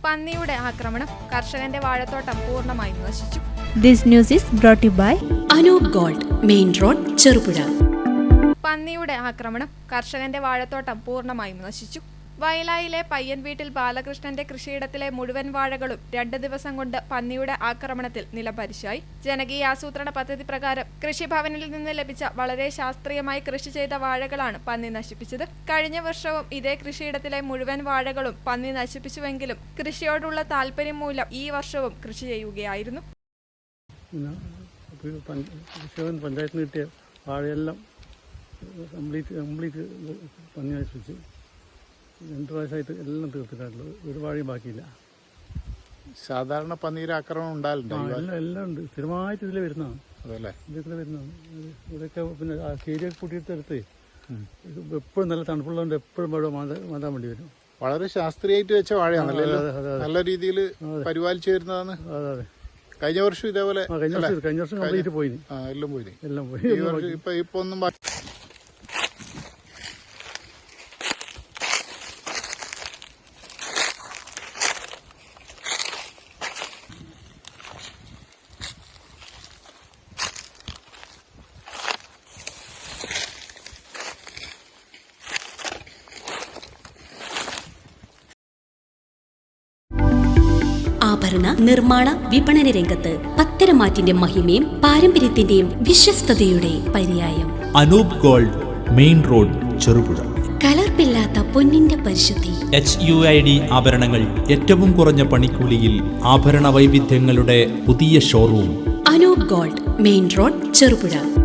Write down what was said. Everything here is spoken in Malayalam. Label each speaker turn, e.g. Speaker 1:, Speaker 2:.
Speaker 1: പന്നിയുടെ ആക്രമണം കർഷകന്റെ വാഴത്തോട്ടം പൂർണ്ണമായും നശിച്ചു.
Speaker 2: This news is brought to you by
Speaker 3: Anoop gold, main road, Cherupuzha.
Speaker 1: പന്നിയുടെ ആക്രമണം കർഷകന്റെ വാഴത്തോട്ടം പൂർണ്ണമായും നശിച്ചു. വയലായിലെ പയ്യൻ വീട്ടിൽ ബാലകൃഷ്ണന്റെ കൃഷിയിടത്തിലെ മുഴുവൻ വാഴകളും 2 ദിവസം കൊണ്ട് പന്നിയുടെ ആക്രമണത്തിൽ നിലംപരിശായി. ജനകീയ ആസൂത്രണ പദ്ധതി പ്രകാരം കൃഷിഭവനിൽ നിന്ന് ലഭിച്ച വളരെ ശാസ്ത്രീയമായി കൃഷി ചെയ്ത വാഴകളാണ് പന്നി നശിപ്പിച്ചത്. കഴിഞ്ഞ വർഷവും ഇതേ കൃഷിയിടത്തിലെ മുഴുവൻ വാഴകളും പന്നി നശിപ്പിച്ചുവെങ്കിലും കൃഷിയോടുള്ള താല്പര്യം മൂലം ഈ വർഷവും കൃഷി ചെയ്യുകയായിരുന്നു.
Speaker 4: പഞ്ചായത്തിന് കിട്ടിയ വാഴയെല്ലാം കംപ്ലീറ്റ് പന്നി നശിപ്പിച്ച് 2 പ്രാവശ്യമായിട്ട് എല്ലാം തീർത്തിട്ടുള്ളത്. ഒരു വാഴയും ബാക്കിയില്ല.
Speaker 5: സാധാരണ പന്നീര് ആക്രമണം ഉണ്ടാവില്ല.
Speaker 4: എല്ലാം ഉണ്ട്. സ്ഥിരമായിട്ട് ഇതിൽ വരുന്നതാണ്.
Speaker 5: അതല്ലേ,
Speaker 4: ഇതിൽ വരുന്നതാണ്. ഇവിടെയൊക്കെ പിന്നെ കേരിയൊക്കെ കൂട്ടിയെടുത്ത് എപ്പോഴും നല്ല തണുപ്പുള്ളതുകൊണ്ട് എപ്പോഴും മഴ മാതാൻ വേണ്ടി വരും.
Speaker 5: വളരെ ശാസ്ത്രീയമായിട്ട് വെച്ച വാഴയാണല്ലേ, നല്ല രീതിയിൽ പരിപാലിച്ചു വരുന്നതാണ്.
Speaker 4: അതെ.
Speaker 5: കഴിഞ്ഞ വർഷം ഇതേപോലെ
Speaker 4: കഴിഞ്ഞ വർഷം കംപ്ലീറ്റ് പോയി. എല്ലാം പോയി.
Speaker 5: ഇപ്പൊ ഒന്നും
Speaker 3: ആഭരണ നിർമ്മാണ വിപണന രംഗത്ത് പത്തരമാറ്റിന്റെ മഹിമയും പാരമ്പര്യത്തിന്റെയും വിശ്വസ്തയുടെ പര്യായം.
Speaker 6: Anoop gold, main road, Cherupuzha.
Speaker 3: കലർപ്പില്ലാത്ത പൊന്നിന്റെ പരിശുദ്ധി.
Speaker 6: HUID ആഭരണങ്ങൾ ഏറ്റവും കുറഞ്ഞ പണിക്കൂലിയിൽ. ആഭരണ വൈവിധ്യങ്ങളുടെ പുതിയ showroom.
Speaker 3: Anoop gold, main road, Cherupuzha.